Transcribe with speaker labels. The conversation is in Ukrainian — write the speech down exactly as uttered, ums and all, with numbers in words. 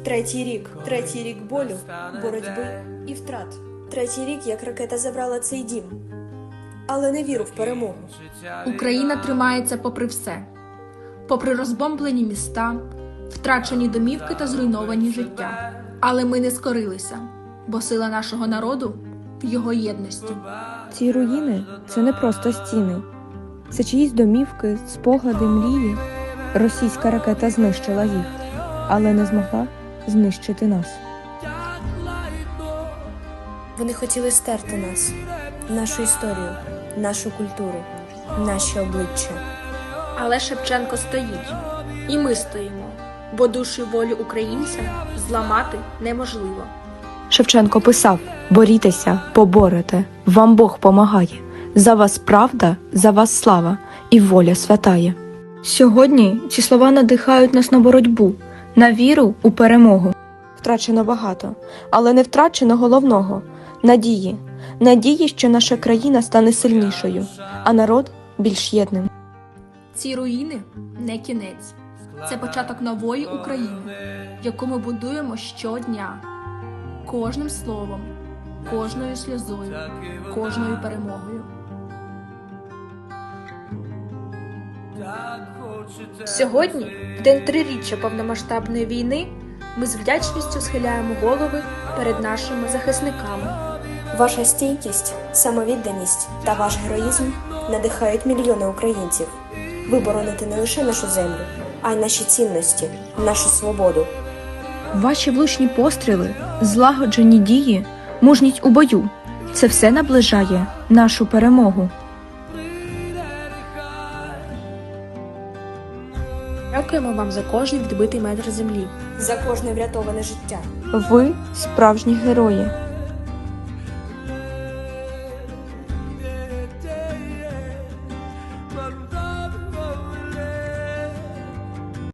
Speaker 1: Третій рік, третій рік болю, боротьби і втрат. Третій рік, як ракета забрала цей дім, але не віру в перемогу.
Speaker 2: Україна тримається попри все. Попри розбомблені міста, втрачені домівки та зруйновані життя. Але ми не скорилися, бо сила нашого народу в його єдності.
Speaker 3: Ці руїни – це не просто стіни. Це чиїсь домівки, спогади, мрії. Російська ракета знищила їх, але не змогла знищити нас.
Speaker 1: Вони хотіли стерти нас, нашу історію, нашу культуру, наші обличчя.
Speaker 2: Але Шевченко стоїть. І ми стоїмо. Бо душу і волю українця зламати неможливо.
Speaker 3: Шевченко писав: «Борітеся, поборете, вам Бог помагає. За вас правда, за вас слава і воля святає». Сьогодні ці слова надихають нас на боротьбу, на віру у перемогу. Втрачено багато, але не втрачено головного – надії. Надії, що наша країна стане сильнішою, а народ – більш єдним.
Speaker 2: Ці руїни не кінець. Це початок нової України, яку ми будуємо щодня. Кожним словом, кожною сльозою, кожною перемогою. Сьогодні, в день триріччя повномасштабної війни, ми з вдячністю схиляємо голови перед нашими захисниками.
Speaker 1: Ваша стійкість, самовідданість та ваш героїзм надихають мільйони українців. Ви бороните не лише нашу землю, а й наші цінності, нашу свободу.
Speaker 3: Ваші влучні постріли, злагоджені дії, мужність у бою – це все наближає нашу перемогу.
Speaker 2: Дякуємо вам за кожний відбитий метр землі.
Speaker 1: За кожне врятоване життя.
Speaker 3: Ви – справжні герої.